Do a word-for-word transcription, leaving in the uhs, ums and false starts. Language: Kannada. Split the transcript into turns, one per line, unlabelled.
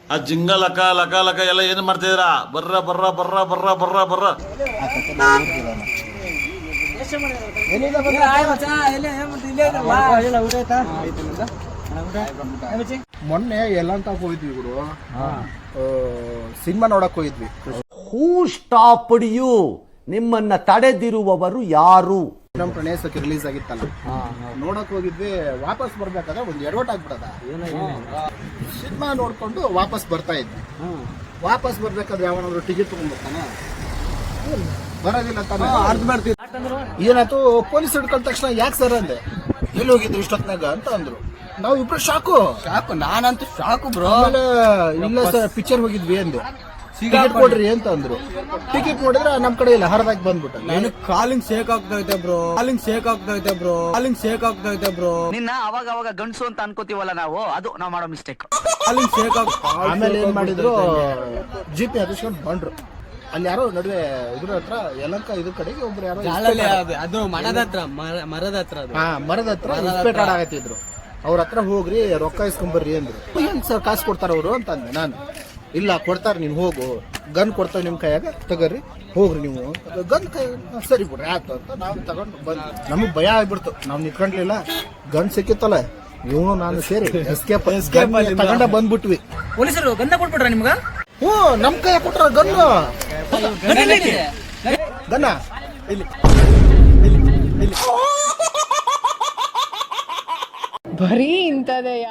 ಆ ಜಿಂಗ ಲಕ ಲಕ ಲಕ ಎಲ್ಲ ಏನು ಮಾಡ್ತಿದ್ದೀರಾ? ಬರ್ರ ಬರ್ರ ಬರ್ರ ಬರ್ರ ಬರ್ರ ಬರ್ರ
ಮೊನ್ನೆ ಎಲ್ಲ ಅಂತ ಹೋಗಿದ್ವಿ ಗುರು, ಸಿನಿಮಾ ನೋಡಕ್ ಹೋಗಿದ್ವಿ.
Who stopped you? ನಿಮ್ಮನ್ನ ತಡೆದಿರುವವರು ಯಾರು?
ನಮ್ ಪ್ರಣೇಶಕ್ಕೆ ರಿಲೀಸ್ ಆಗಿತ್ತಲ್ಲ, ನೋಡಕ್ ಹೋಗಿದ್ವಿ. ವಾಪಸ್ ಬರ್ಬೇಕಾದ್ರೆ ಒಂದು ಎಡವಟ್ ಆಗ್ಬಿಡದ. ಸಿನಿಮಾ ನೋಡ್ಕೊಂಡು ವಾಪಸ್ ಬರ್ತಾ ಇದ್ವಿ. ವಾಪಸ್ ಬರ್ಬೇಕಾದ್ರೆ ಯಾವನಾದ್ರು ಟಿಕೆಟ್ ತಗೊಂಡ್ಬರ್ತಾನ? ಬರೋದಿಲ್ಲ ತಾನೆ. ಏನಾಯ್ತು, ಪೊಲೀಸ್ ಹಿಡ್ಕೊಂಡ ತಕ್ಷಣ ಯಾಕೆ ಸರ್ ಅಂದೆ. ಎಲ್ಲಿ ಹೋಗಿದ್ರು ಇಷ್ಟೊತ್ನಾಗ ಅಂತ ಅಂದ್ರು. ನಾವು ಇಬ್ರು ಶಾಕು ಶಾಕು ನಾನಂತೂ ಶಾಕು ಬ್ರೋ. ಆಮೇಲೆ ಇಲ್ಲ ಸರ್ ಪಿಕ್ಚರ್ ಹೋಗಿದ್ವಿ ಅಂದೆ. ಟಿಕೆಟ್ ಕೊಡ್ರಿ ಅಂತ ಅಂದ್ರು. ಟಿಕೆಟ್ ನೋಡಿದ್ರೆ ನಮ್ ಕಡೆ ಇಲ್ಲ, ಹರದಾಗಿ ಬಂದ್ಬಿಟ್ಟು.
ನನಗೆ ಕಾಲಿಂಗ್ ಶೇಕ್ ಆಗ್ತೈತೆ ಬ್ರೋ, ಕಾಲಿಂಗ್ ಶೇಕ್ ಆಗ್ತೈತೆ ಬ್ರೋ, ಕಾಲಿಂಗ್ ಶೇಕ್ ಆಗ್ತೈತೆ ಬ್ರೋ.
ನಿನ್ನ ಅವಾಗ ಅವಾಗ ಗಂಡಸು ಅಂತ ಅನ್ಕೋತೀವಲ್ಲ ನಾವು, ಅದು ನಾವು ಮಾಡೋ ಮಿಸ್ಟೇಕ್.
ಕಾಲಿಂಗ್ ಶೇಕ್ ಆಗ್
ಆಮೇಲೆ ಏನ್ ಮಾಡಿದ್ರು, ಜಿ ಪಿ ಹತ್ತಿಸ್ಕೊಂಡು ಬಂದ್ರು. ಅಲ್ಲಿ ಯಾರೋ ನಡುವೆ ಇದ್ರ ಹತ್ರ ಯಲಂಕ ಇದ್ರ ಕಡೆಗೆ ಒಬ್ರು ಯಾರೋ
ಅದು ಮರದ ಹತ್ರ ಮರದ ಹತ್ರ
ಹಾ ಮರದ ಹತ್ರ ಇಸ್ಪೇಟ್ ಆಡಾಕತ್ತಿದ್ರು. ಅವ್ರ ಹತ್ರ ಹೋಗ್ರಿ ರೊಕ್ಕ ಇಸ್ಕೊಂಬರ್ರಿ ಅಂದ್ರು. ಏನ್ ಸರ್ ಕಾಸು ಕೊಡ್ತಾರ ಅವರು ಅಂತ ಅಂದೆ ನಾನು. ಇಲ್ಲ ಕೊಡ್ತಾರ, ನೀನ್ ಹೋಗು, ಗನ್ ಕೊಡ್ತಾವ ನಿಮ್ ಕೈಯಾಗ, ತಗೋರಿ ಹೋಗ್ರಿ ನೀವು. ಗನ್ ಕೈ ಸರಿ ಬಿಡ್ರಿ ಆಯ್ತು ಅಂತ ನಾವು ತಗೊಂಡು ಬಂದ್ವಿ. ನಮಗ್ ಭಯ ಆಗ್ಬಿಡ್ತು, ನಾವ್ ನಿಂತ್ಕೊಂಡ್ಲಿಲ್ಲ. ಗನ್ ಸಿಕ್ಕಿತ್ತಲ್ಲ, ಇವನು ನಾನು ಸೇರಿ ಎಸ್ಕೇಪ್ ತಗೊಂಡ ಬಂದ್ಬಿಟ್ವಿ.
ಪೊಲೀಸರು ಗಂಧ ಕೊಟ್ಬಿಟ್ರ ನಿಮ್ಗ?
ಹ್ಞೂ ನಮ್ ಕೈ ಕೊಟ್ರ ಗನ್ನು. ಗನ್ನ
ಬರೀ ಇಂಥದೇ.